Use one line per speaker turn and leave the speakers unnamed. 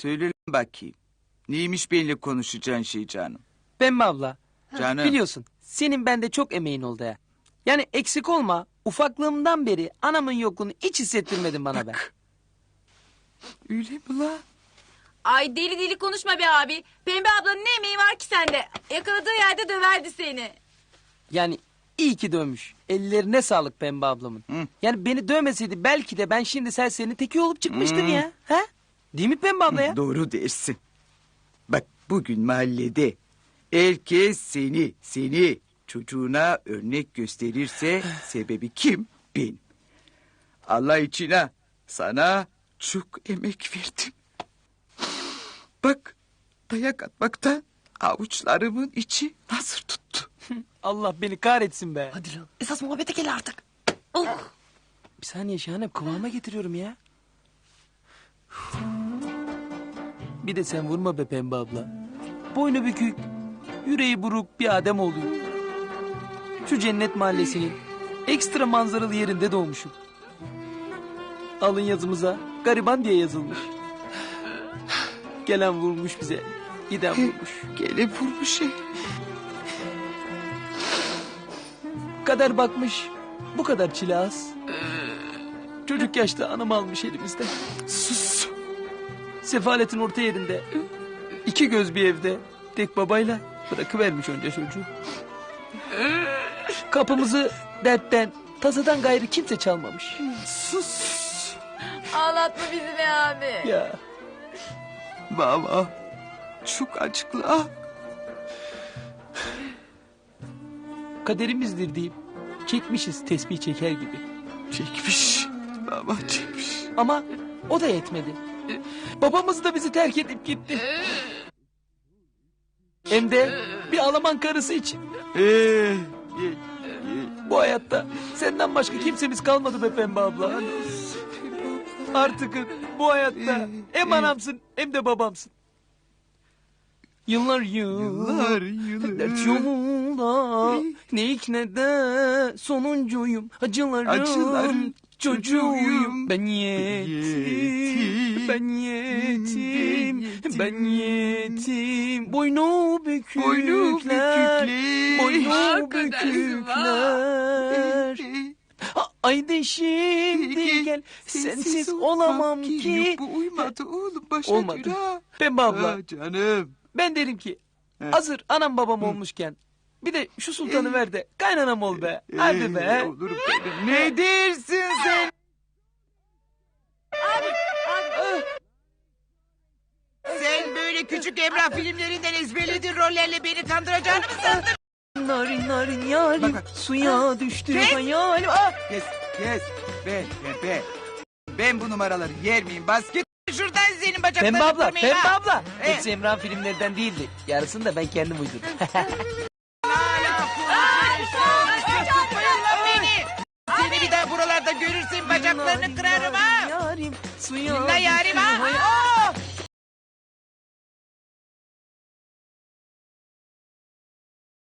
Söyle lan bakayım. Neymiş benimle konuşacağın şey canım?
Pembe abla.
Canım.
Biliyorsun senin bende çok emeğin oldu ya. Yani eksik olma, ufaklığımdan beri anamın yokluğunu hiç hissettirmedin bana be.
Öyle mi la?
Ay deli deli konuşma be abi. Pembe ablanın ne emeği var ki sende? Yakaladığı yerde döverdi seni.
Yani iyi ki dövmüş. Ellerine sağlık Pembe ablamın.
Hı.
Yani beni dövmeseydi belki de ben şimdi serserinin teki olup çıkmıştım ya. Ha? Değil mi Pembe abla ya?
Doğru dersin. Bak bugün mahallede herkes seni çocuğuna örnek gösterirse sebebi kim? Ben. Allah için ha, sana çok emek verdim. Bak dayak atmaktan avuçlarımın içi nasır tuttu.
Allah beni kahretsin be.
Hadi lan esas muhabbete gel artık.
Bir saniye Şahanem kıvama getiriyorum ya. Bir de sen vurma be Pembe abla. Boynu bükük, yüreği buruk bir adem oluyor. Şu cennet mahallesinin ekstra manzaralı yerinde doğmuşum. Alın yazımıza gariban diye yazılmış. Gelen vurmuş bize, giden vurmuş.
Gele vurmuş.
Kader bakmış, bu kadar çile az. Çocuk yaşta anam almış elimizden.
Sus.
Sefaletin orta yerinde, iki göz bir evde, tek babayla bırakıvermiş önce çocuğu. Kapımızı dertten, tasadan gayrı kimse çalmamış.
Sus.
Ağlatma bizi be abi.
Ya
Baba çok acıklı ha.
kaderimizdir deyip çekmişiz tesbih çeker gibi.
Çekmiş. Baba çekmiş.
Ama o da yetmedi. Babamız da bizi terk edip gitti. Hem de bir Alman karısı için. Bu hayatta senden başka kimsemiz kalmadı be Pembe abla. Artık bu hayatta hem anamsın hem de babamsın. Yıllar dert yolunda ne ilk ne de sonuncuyum. Acıların çocuğuyum. Ben yetim, ben yetim, ben yetim. Boynu bükükler, boynu bükükler. Haydi şimdi gel, sensiz olamam ki.
Bu uymadı oğlum başa
Olmadı.
dur ha.
Pembe abla,
Canım.
ben derim ki
He.
hazır anam babam olmuşken bir de şu sultanı ver de kaynanam ol be. Hadi be.
Olurum benim. Ne dersin sen?
Sen böyle küçük Emrah filmlerinden ezberlediğin rollerle beni kandıracağını mı sandın?
Narin narin yarim
Bak, bak.
suya düştü
Kes.
hayalim.
Kes. Ben bu numaraları yer miyim? Bas git.
Şuradan senin bacaklarını
Pembe abla,
kırmayayım
Pembe
ha.
abla.
He.
Hepsi Emrah'ın filmlerinden değildi. Yarısını da ben kendim uydurdum.
Hala konuşuyorsun. Tutmayın lan beni. Seni bir daha buralarda görürsem bacaklarını kırarım ha.
Yarim suya
Dinle yarim
düştü
ha.
hayalim.